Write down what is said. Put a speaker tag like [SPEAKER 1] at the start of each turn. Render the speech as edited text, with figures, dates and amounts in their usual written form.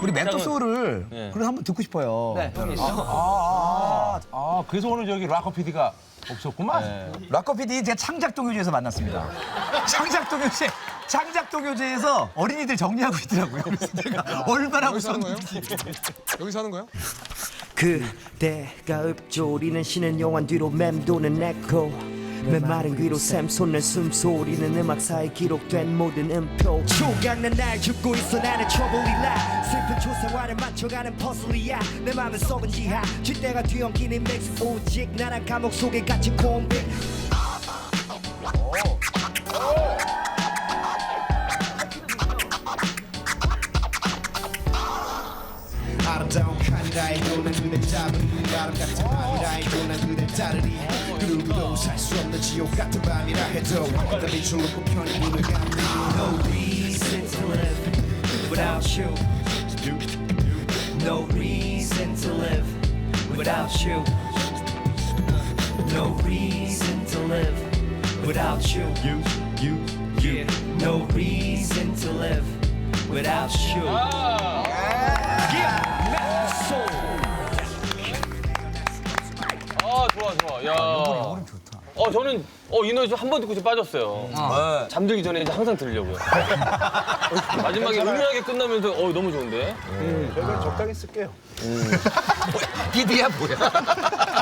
[SPEAKER 1] 우리 멘토소를
[SPEAKER 2] 네.
[SPEAKER 1] 그래 한번 듣고 싶어요.
[SPEAKER 3] 네, 형이 있어.
[SPEAKER 4] 그래서 오늘 저기 락커 PD가 없었구만.
[SPEAKER 1] 락커 PD 제가 창작동요제에서 만났습니다. 창작동요제에서 어린이들 정리하고 있더라고요. 그래서 내가 얼마나
[SPEAKER 5] 여기서 하는 거예요?
[SPEAKER 1] 무서운지.
[SPEAKER 5] 여기서 하는 거예요?
[SPEAKER 6] 그대가 읊조리는 신은 용한 뒤로 맴도는 에코 메마른 귀로 샘솟는 숨소리는 음악사에 기록된 모든 음표 조각난 날 줍고 있어 나는 trouble 슬픈 초생활을 맞춰가는 퍼즐이야 내 맘은 썩은 지하 쥐대가 뒤엉키는 믹스 오직 나란 감옥 속에 갇힌 콤비 아름다운 카니라의 도는 그대 잡은 아름 같은 밤이라의 도난 그대 따르리 그 누구도 살 수 없는 지옥 같은 밤이라 해도 나 빛을 놓고 편히 눈을 감리 No reason to live without you No reason to live without you No reason to live without you Yeah No reason to live without you
[SPEAKER 2] 좋아. 야. 저는 이 노래 한 번 듣고 좀 빠졌어요. 잠들기 전에 이제 항상 들으려고요. 마지막에 은은하게 끝나면서 너무 좋은데.
[SPEAKER 4] 저희가 적당히 쓸게요.
[SPEAKER 1] PD야 뭐야?